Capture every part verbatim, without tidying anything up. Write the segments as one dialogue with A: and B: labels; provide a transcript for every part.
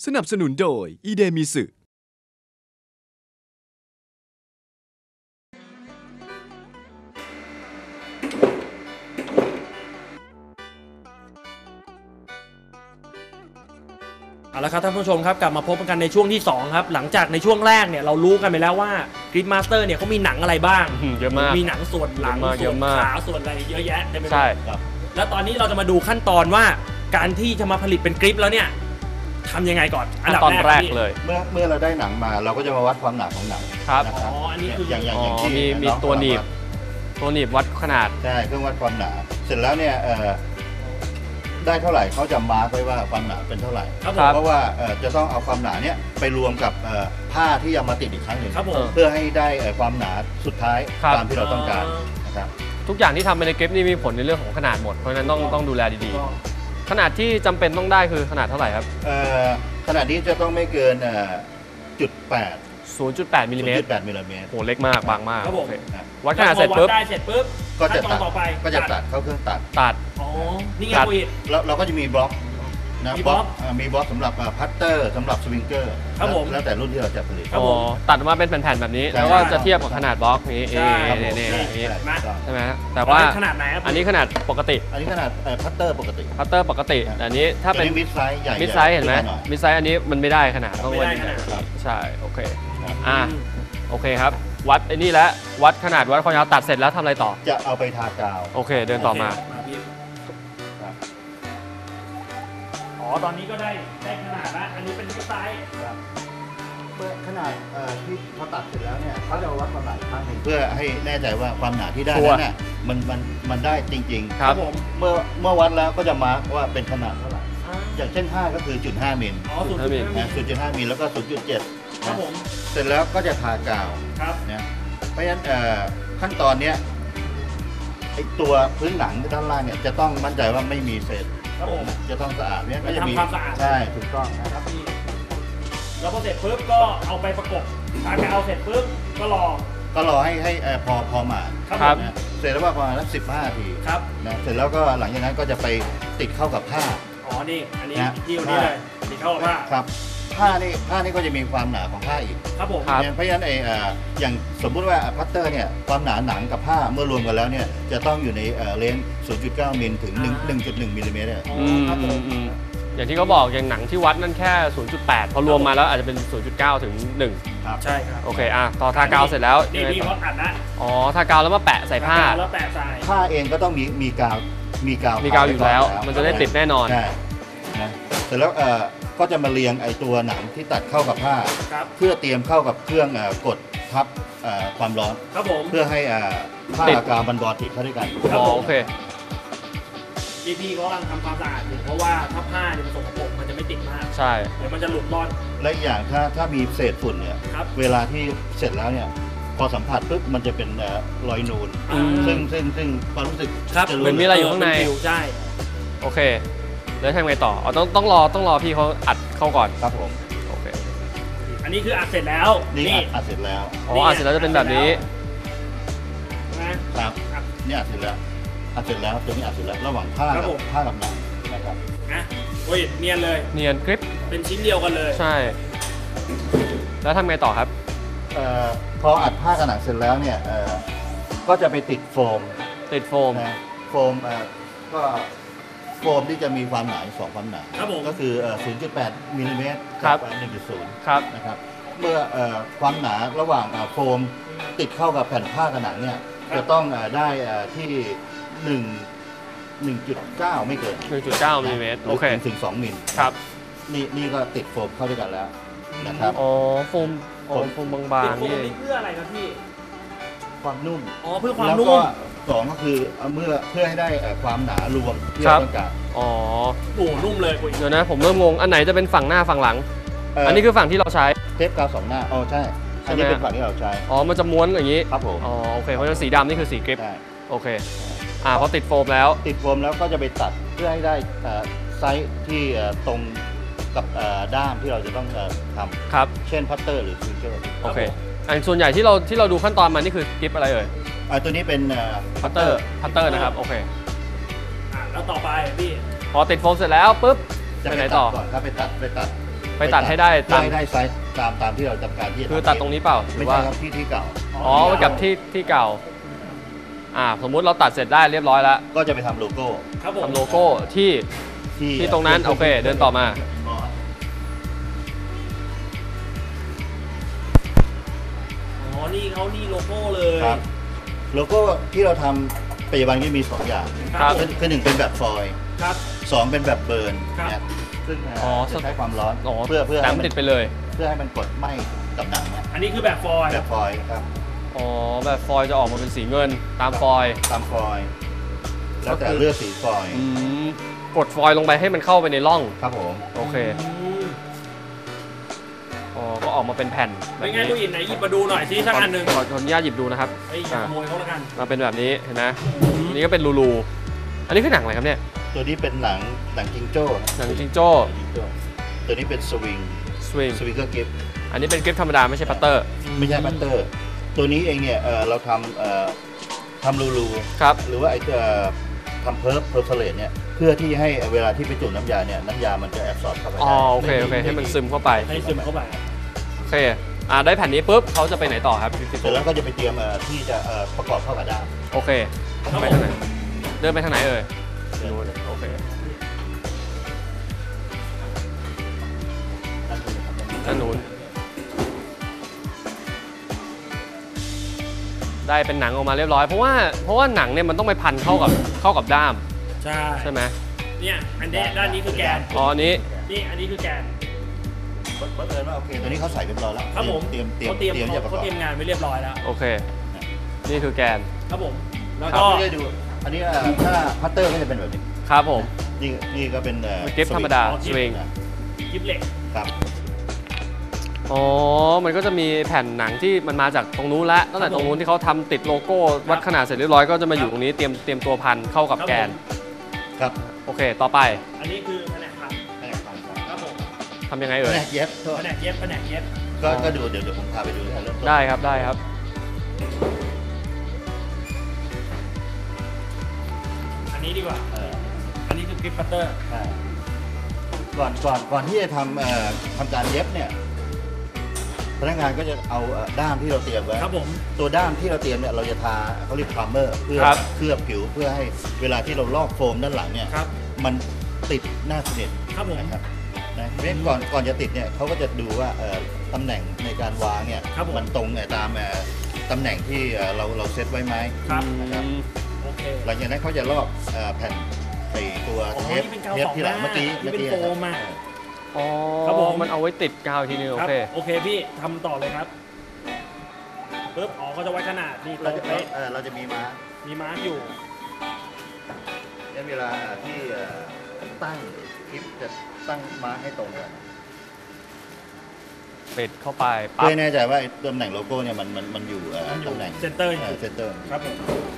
A: สนับสนุนโดยอีเดมิสึ
B: เอาละครับท่านผู้ชมครับกลับมาพบกันในช่วงที่สองครับหลังจากในช่วงแรกเนี่ยเรารู้กันไปแล้วว่ากริดมาสเตอร์เนี่ยเขามีหนังอะไรบ้าง
C: เยอะมาก
B: มีหนังส่วนหลังส่วนขาส่วนอะไรเยอะแยะเต็มไปหมด
C: ใช่
B: แล้วตอนนี้เราจะมาดูขั้นตอนว่าการที่จะมาผลิตเป็นกริปแล้วเนี่ยทำยังไงก่อน
C: ขั้นตอนแรกเลย
D: เมื่อเมื่อเราได้หนังมาเราก็จะมาวัดความหนาของหนัง
C: ครับ
B: อ๋ออันนี้คือ
D: อย่างอย่าง
C: อย่าง
D: ที่
C: มีมีตัวหนีบตัวหนีบวัดขนาด
D: ใช่เครื่องวัดความหนาเสร็จแล้วเนี่ยได้เท่าไหร่เขาจะมาร์กไว้ว่าความหนาเป็นเท่าไหร่เพราะว่าจะต้องเอาความหนาเนี่ยไปรวมกับผ้าที่เอามาติดอีกครั้งหนึ่งเพื่อให้ได้ความหนาสุดท้ายตามที่เราต้องการนะครับ
C: ทุกอย่างที่ทำไปในกริปนี่มีผลในเรื่องของขนาดหมดเพราะฉะนั้นต้องต้องดูแลดีๆขนาดที่จำเป็นต้องได้คือขนาดเท่าไหร่ครับ
D: ขนาดนี้จะต้องไม่เกินจุดแปด
C: ศูนย์จุดแปดมิลลิเมตร
D: ศูนย์จุดแปดมิลลิเมตร
C: โหเล็กมากบางมาก
B: ครับผม
C: วัดขนาดเสร็จปุ๊บ
B: ได้เสร็จปุ๊บ
D: ก็จะตัดก็จะตัดเข้าเครื่องตัด
C: ตัด
B: อ๋อนี่ไงคุย
D: แล้วเราก็จะมีบล็อกนะบล็อกมีบล็อกสำหรับพัตเตอร์สำหรับสวิงเกอร์
B: ครับผม
D: แล้วแต่รุ่นที่เราจะผลิต
C: อ๋อตัดมาเป็นแผ่นๆแบบนี้แล้วก็จะเทียบกับขนาดบล็อกนี้เอเน่ใช่ไหมแต่ว่า
B: ขนาดไหนครับ
C: อันนี้ขนาดปกติ
D: อันนี้ขนาดพัตเตอร์ปกติ
C: พัตเตอร์ปกติแต่อันนี้ถ้าเป็น
D: มิดไซส์ใหญ่
C: มิดไซส์เห็นไหมมิดไซส์อันนี้มันไม่ได้ขนาดต้องวัดใช่โอเคอ่าโอเคครับวัดไอ้นี่แล้ววัดขนาดวัดความยาวตัดเสร็จแล้วทำอะไรต่อ
D: จะเอาไปทากาว
C: โอเคเดินต่อมา
B: อ๋อตอนนี้ก็ได้ได้ขนาดแล้วอันนี้เป็นมิดไซส์
D: เพื่อขนาดที่พอตัดเสร็จแล้วเนี่ยเขาจะวัดความหนาอีกครั้งหนึ่งเพื่อให้แน่ใจว่าความหนาที่ได้นั้นเนี่ยมันมันมันได้จริง
C: ๆครับผม
D: เมื่อเมื่อวัดแล้วก็จะมาร์กว่าเป็นขนาดเท่าไหร่อย่างเช่นห้าก็คือจุดห้ามิล
B: อ๋อศูนย์จุดห้ามิล
D: ศูนย์จุดห้ามิลแล้วก็ศูนย์จุดเจ็ด
B: ครับผม
D: เสร็จแล้วก็จะทากาว
B: ครับ
D: นะเพราะฉะนั้นขั้นตอนเนี้ยไอตัวพื้นหนังด้านล่างเนี่ยจะต้องมั่นใจว่าไม่มีเศษ
B: ครับผม
D: จะต้องสะอาดเนี่ย
B: ก็จะมีความสะอาด
D: ใช่ถูกต้องนะครับ
B: แล้วพอเสร็จปุ๊บก็เอาไปประกบทากาวเสร็จปุ๊บก็รอ
D: ก็รอให้ให้พอพอมา
C: ครับ
D: เสร็จแล้วว่าประมาณสักสิบห้านาที
B: ครับ
D: นะเสร็จแล้วก็หลังจากนั้นก็จะไปติดเข้ากับผ้า
B: อ๋อนี่อันนี้ที่นี่เลยติดเข้ากับผ้า
D: ครับผ้านี่ผ้านี่ก็จะมีความหนาของผ้าอีก
B: ครับผม
D: เพราะฉะนั้นไอ้อย่างสมมุติว่าพัตเตอร์เนี่ยความหนาหนังกับผ้าเมื่อรวมกันแล้วเนี่ยจะต้องอยู่ในเลนส์ ศูนย์จุดเก้า มิลถึง หนึ่งจุดหนึ่ง มิลลิเมตรเนี่ย
C: อย่างที่เขาบอกอย่างหนังที่วัดนั่นแค่ ศูนย์จุดแปด พอรวมมาแล้วอาจจะเป็น ศูนย์จุดเก้า ถึง หนึ่ง
B: ครับใช่ครับ
C: โอเคอ่ะต่อทากาวเสร็จแล้ว
B: นี่นี่เขาอัดนะ
C: อ๋อทากาวแล้วมาแปะใส่ผ้า
B: แล้วแปะใส่
D: ผ้าเองก็ต้องมีมีกาวมีกาว
C: มีกาวอยู่แล้วมันจะได้ติดแน่นอน
D: ใช่นะเสร็จแล้วเอ่อก็จะมาเรียงไอตัวหนังที่ตัดเข้ากับผ้าเพื่อเตรียมเข้ากับเครื่องกดทับความร้อน
B: ครับผม
D: เพื่อให้ผ้ากับกาวมันบอติดเข้าด้วยกัน
C: อ๋อโอเค
B: พี่พี่เขากำลังทำความสะอาดอยู่เพราะว่าถ้าผ้าเนี่ยมันสกปรกมันจะไม่ติดมาก
C: ใช่
B: เดี๋ยวมันจะหลุดรอด
D: และอย่างถ้าถ้ามีเศษฝุ่นเนี่ยเวลาที่เสร็จแล้วเนี่ยพอสัมผัสปุ๊บมันจะเป็นรอยนูนซึ่งซึ่งซึ่งความรู้สึก
C: จะเหมือนมีอะไรอยู่ข้างใน
B: ใช่
C: โอเคแล้วทำไงต่ออ๋อต้องต้องรอต้องรอพี่เขาอัดเข้าก่อน
D: ครับผม
C: โอเค
B: อันนี้คืออัดเสร็จแล้ว
D: นี่อัดเสร็จแล้ว
C: อ๋ออัดเสร็จแล้วจะเป็นแบบนี้
D: นะครับนี่อัดเสร็จแล้วอัดเสร็จแล้วตัวนี้อัดเสร็จแล้วระหว่างผ้ากับผ้ากับหนังนะครับ
B: อ่ะโอ้ยเนียนเลย
C: เนียนกริป
B: เป็นชิ้นเดียวกันเลย
C: ใช่แล้วทำไงต่อครับ
D: เอ่อพออัดผ้ากับหนังเสร็จแล้วเนี่ยเอ่อก็จะไปติดโฟม
C: ติดโฟม
D: นะโฟมเอ่อก็โฟมที่จะมีความหนาสองความหนาก็คือ ศูนย์จุดแปด มิลลิเมตรกับ หนึ่งจุดศูนย์
C: ครับ
D: นะครับเมื่อความหนาระหว่างโฟมติดเข้ากับแผ่นผ้ากับหนังเนี่ยจะต้องได้ที่หนึ่ง หนึ่งจุดเก้า ไม่เกิน
C: หนึ่งจุดเก้า มิลลิเมตรโอเค
D: ถึงสองมิล
C: ครับ
D: นี่นี่ก็ติดโฟมเข้าด้วยกันแล้วนะครับ
C: อ๋อโฟมอ๋อโฟมบางๆ
B: นี่เพื่ออะไรครับพี่
D: ความนุ่ม
B: อ๋อเพื่อความนุ่ม
D: สองก็คือเมื่อเพื่อให้ได้ความหนารวมที่เราต้องการ
C: อ๋อ
B: โอ้นุ่มเลย
C: เดี๋ยวนะผมเริ่มงงอันไหนจะเป็นฝั่งหน้าฝั่งหลังอันนี้คือฝั่งที่เราใช้
D: เทปกาวสองหน้าอ๋อใช่อันนี้เป็นฝั่งที่เราใช้
C: อ๋อมันจะม้วนอย่างนี้
D: ครับผม
C: อ๋อโอเคเพราะฉะนั้นสีดำนี่คือสีกริปโอเคอ่าพอติดโฟมแล้ว
D: ติดโฟมแล้วก็จะไปตัดเพื่อให้ได้ไซส์ที่ตรงกับด้ามที่เราจะต้องทำ
C: ครับ
D: เช่นพัตเตอร์หรือฟิวเจอร์
C: โอเคอันส่วนใหญ่ที่เราที่เราดูขั้นตอนมานี่คือกริปอะไรเอ่ย
D: ตัวนี้เป็น
C: พัตเตอร์พัตเตอร์นะครับโอเค
B: อ่าแล้วต่อไปพี่
C: พอติดโฟมเสร็จแล้วปุ๊บ
D: จะไปไหนต่อก่อนครับไปตัดไปตัด
C: ไปตัดให้ได้ตาม
D: ให้ได้ไซส์ตามตามที่เราจำการที่จะ
C: คือตัดตรงนี้เปล่าหรื
D: ไม่
C: อว่า
D: ใช่ครับที่ที่เก่า
C: อ๋อไปกับที่ที่เก่าอ่าสมมุติเราตัดเสร็จได้เรียบร้อยแล้ว
D: ก็จะไปทำโลโก้
B: ครับผม
C: ทำโลโก้ที่ ที่ตรงนั้นโอเคเดินต่อมา
B: อ๋อนี่เขานี่โลโก้เลย
D: ครับโลโก้ที่เราทำปัจจุบันก็มีสองอย่าง
C: ครับ
D: คือคือหนึ่งเป็นแบบฟอยล์
B: ครับ
D: สองเป็นแบบเบิร์น
B: ครับ
D: เนี่ยซึ่งเอ่อ
C: อ๋อ
D: จะใช้ความร้อน
C: อ๋อ
D: เพื่อเพื่อ
C: หนั
D: ให้
C: ง
D: มัน
C: ติดไปเลย
D: เพื่อให้มันกดไหม้กับหนังเนี่ย
B: อันนี้คือแบบฟอยล์
D: แบบฟอยล์ครับ
C: อ๋อแบบฟอยล์จะออกมาเป็นสีเงินตามฟอยล์
D: ตามฟอยล์แล้วแต่
C: ก็คือ
D: เลือกสีฟอยล์
C: อืมกดฟอยล์ลงไปให้มันเข้าไปในร่อง
D: ครับผม
C: โอเค
B: อืม
C: อ๋อก็ออกมาเป็นแผ่นแบบ
B: เป็นไง
C: นี้
B: ลูกอินไหนหยิบมาดูหน่อยซิสักอันหนึ่ง
C: ขอขออนุญาตหยิบดูนะครับ
B: ไอ้ยอย่าขโมยเขาแล้วกัน
C: มาเป็นแบบนี้เห็นไหมอันนี้ก็เป็นรูรูอันนี้คือหนังอะไรครับเนี่ย
D: ตัวนี้เป็นหนังหนังจิงโจ้
C: หนังจิงโจ้
D: หนังจิงโจ้ตัวนี้เป็นสวิง
C: สวิง
D: สวิงเกอร์กิฟ
C: อันนี้เป็นกริปธรรมดาไม่ใช่พัตเตอร์
D: ไม่ใช่บัตเตอร์ ตัวนี้เองเนี่ยเอ่อเราทำเอ่อทำรูรู
C: ครับ
D: หรือว่าไอ้เอ่อทำเพิร์ฟเพอร์เฟลตเนี่ยเพื่อที่ให้เวลาที่ไปจุ่มน้ำยาเนี่ยน้ำยามันจะแอบซอร์บเข้าไป
C: อ๋อ
D: ได้
C: โอเคโอเคให้มันซึมเข้าไป
B: ให้ซึมเข้าไป
C: โอเคอ่าได้แผ่นนี้ปุ๊บเขาจะไปไหนต่อครับพี่
D: เสร็จแล้วก็จะไปเตรียมเอ่อที่จะเอ่อประกอบเข้ากับด้าม
C: โอเค
B: ครับ
C: ไปทางไหนเดินไปทางไหนเอ่ยนู้นโอเคด้านนู้นได้เป็นหนังออกมาเรียบร้อยเพราะว่าเพราะว่าหนังเนี่ยมันต้องไปพันเข้ากับเข้ากับด้าม
B: ใช่
C: ใช่ไหม
B: เนี่ยอันนี้ด้านนี้คือแกน
C: อ๋ออันนี้
B: นี่อันนี้คือแกน
D: เปิดเอิญว่าโอเคตัวนี้เขาใส่เรียบร้อยแล้ว
B: ครับผม
D: เตรียมเตรียม
B: เขาเตรียม
D: เตรียมจะประก
B: เขา
D: อบ
B: เตรียมงานไว้เรียบร้อยแล้ว
C: โอเค นี่คือแกน
B: ครับผมแล้ว
D: ครั
B: ก็
D: บไม่ได้ดูอันนี้เอ่อถ้าพัตเตอร์ก็จะเป็นแบบนี้
C: ครับผม
D: นี่นี่ก็เป็นเอ่อ
C: กิฟธรรมดา
B: อ๋อ
C: สวิง
B: กิฟเหล็ก
D: ครับ
C: อ๋อ มันก็จะมีแผ่นหนังที่มันมาจากตรงนู้นแล้วตั้งแต่ตรงนู้นที่เขาทำติดโลโก้วัดขนาดเสร็จเรียบร้อยก็จะมาอยู่ตรงนี้เตรียมเตรียมตัวพันเข้ากับแกน
D: ครับ
C: โอเค ต่อไป
B: อันนี้คือแผนกพัน
D: แผนกพันครับ
B: ครับผม
C: ทำยังไง
D: แผ
C: เอ่ย
D: นกเย็บโทษ
B: แผนกเย็บแผนกเย็บ
D: ก็ก็ดูเดี๋ยวเดี๋ยวผมพาไปดูที่เริ่มต้น
C: ได้ครับได้ครับ
B: อันนี้ดีกว่า
D: เออ
B: อันนี้คือกริปปัตเตอร์
D: ใช่ก่อนก่อนก่อนที่จะทำเอ่อทำการเย็บเนี่ยพนักงานก็จะเอาเอ่อด้ามที่เราเตรียมไว้
B: ครับผม
D: ตัวด้ามที่เราเตรียมเนี่ยเราจะทาเขาเรียกพรามเมอร์เพื่อ
C: ครับ
D: เคลือบผิวเพื่อให้เวลาที่เราลอกโฟมด้านหลังเนี่ย
B: ครับ
D: มันติดหน้าสนิท
B: ครับผม
D: นะครับนะเพราะฉะนั้นก่อนก่อนจะติดเนี่ยเขาก็จะดูว่าเอ่อตำแหน่งในการวางเนี่ย
B: ครับผม
D: มันตรงเอ่อตามเอ่อตำแหน่งที่เอ่อเราเราเซตไว้ไหม
B: ครับ
D: นะครับ
B: โอเค
D: หลังจากนั้นเขาจะลอกเอ่อแผ่นไอตัว
B: อ๋อ
D: เทป
B: นี่เป็นกาว
D: เทป
B: สอง
D: ที่หลัง
B: หน้า
D: เมื่อกี้
B: นี่
D: เมื่อ
B: เป็น
D: กี้
B: โฟมอะ
C: อ๋อ
B: ครับผม
C: มันเอาไว้ติดกาวอีกทีนึงโอ
B: ครับ
C: เค
B: โอเคพี่ทำต่อเลยครับปึ๊บอ๋อเขาจะไว้ขนาดนี่ตร
D: เรา
B: ง
D: จะ
B: เป๊ะ
D: เอ่อเราจะมีมาร์ค
B: มีมาร์กอยู่
D: เนี่ยเวลาที่เอ่อตั้งคลิปจะตั้งมาร์คให้ตรงกัน
C: ปิดเข้าไป
D: เพื่
C: ปั๊
D: อบ ให้แน่ใจว่าไอ้ตำแหน่งโลโก้เนี่ยมันมันมันอยู่เอ่อ
B: มันอยู่
D: ตำแหน่ง
B: เซนเตอร์อยู่
D: เซนเตอร์
B: ครับผม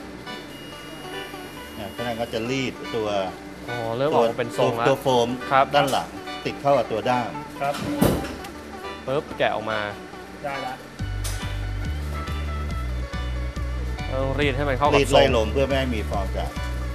D: เนี่ยพนักงานก็จะรีดตัว
C: อ๋อเริ่มออกมาเป็นทรงแล้ว
D: ตัวโฟม
C: ครับ
D: ด้านหลังติดเข้ากับตัวด้าม
B: ครับ
C: ปุ๊บแกะออกมา
B: ได้ละ
C: ต้องรีดให้มันเข้ากับ
D: รีด
C: ทร
D: ไล่
C: ง
D: ลมเพื่อไม่ให้มีฟองอากาศ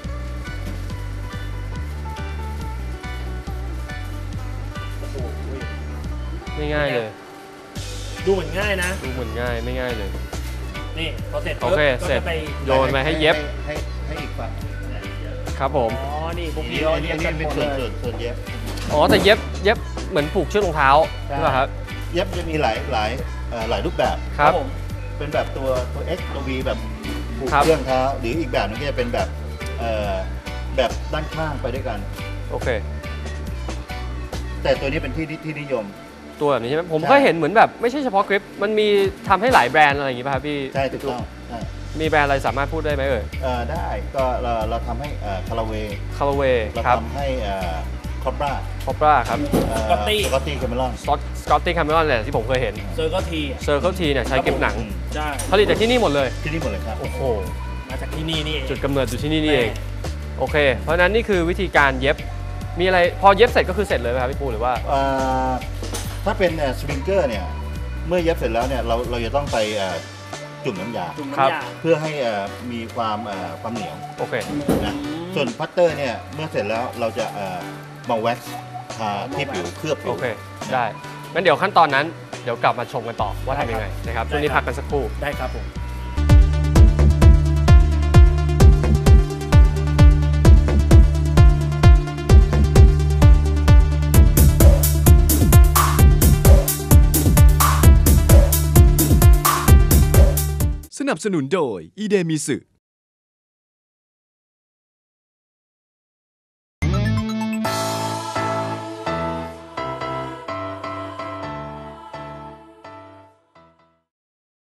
B: โอ้โห
C: ไม่ง่ายเลย
B: ดูเหมือนง่ายนะ
C: ดูเหมือนง่ายไม่ง่ายเลย
B: นี่พอเสร็จ
C: โอ
B: ปุ๊บ
C: เค
B: ก็
C: เสร็จ
B: จะไป
C: โยนไปให้เย็บ
D: ให้ให้อีกฝั่ง
C: ครับผม
B: อ๋อ นี่พวก
D: อัน
B: พี่
D: นี้
B: เขา
D: อันนี้
B: เรีย
D: อั
B: ก
D: น
B: กั
D: นี้
B: นห
D: เป็
B: ม
D: น
B: ด
D: ส่วน
B: เล
D: ส่วย นส่วนเย็บ
C: อ๋อแต่เย็บเย็บเหมือนผูกเชือกรองเท้า
D: ใช่
C: ใช่ป่ะครับ
D: เย็บจะมีหลายหลายเอ่อหลายรูปแบบ
C: ครับ
B: ผม
D: เป็นแบบตัวตัว X ตัว V แบบผูก
C: ครับ
D: เครื่องเท้าหรืออีกแบบนึงก็จะเป็นแบบเอ่อแบบด้านข้างไปด้วยกัน
C: โอเค
D: แต่ตัวนี้เป็นที่ที่ที่นิยม
C: ตัวแบบนี้ใช่ไหมผม
D: ใช่
C: ก็เห็นเหมือนแบบไม่ใช่เฉพาะกริปมันมีทำให้หลายแบรนด์อะไรอย่างงี้ป่ะครับพี่
D: ใช่ถูกต้องใช่
C: มีแบรนด์อะไรสามารถพูดได้ไหมเอ่ย
D: เอ่อได้ก็เราเราทำให้คาราเว
C: คาร์เวย์
D: เรา
C: ครับ
D: ทำให้คอปรา
C: คอปราครับ
D: สกอตตี้สกอตตี้แคมเมรอน
C: สกอตสกอตตี้คาร์เมลอนเนี่ยที่ผมเคยเห็น
B: เซอร์ก็ที
C: เซอร์เคิลทีเนี่ยใช้กริปหนัง
B: ใช่
C: ผลิตจากที่นี่หมดเลย
D: ที่นี่หมดเลยครับ
C: โอ้โห
B: มาจากที่นี่นี่เอง
C: จุดกำเนิดอยู่ที่นี่นี่เอง โอเค เพราะฉะนั้นนี่คือวิธีการเย็บ มีอะไรพอเย็บเสร็จก็คือเสร็จเลยไหมครับพี่ปูหรือว่า
D: เอ่อถ้าเป็นสปริงเกอร์เนี่ยเมื่อเย็บเสร็จแล้วเนี่ยเราเราจะต้องไปเอ่อจุ่มน้ำยา
B: จุ่ม
C: ครับ
B: น้ำยา
D: เพื่อให้เอ่อมีความเอ่อความเหนียว
C: โอเค
D: นะส่วนพัตเตอร์เนี่ยเมื่อเสร็จแล้วเราจะเอ่อมาแว็กซ์ทาที่ผิวเคลือบผิ
C: โอ
D: ว
C: เคได้งั้นเดี๋ยวขั้นตอนนั้นเดี๋ยวกลับมาชมกันต่อว่าทำยังไงนะครับช่วงนี้พักกันสักครู่
B: ได้ครับผม
A: สนับสนุนโดยอีเดมิสึ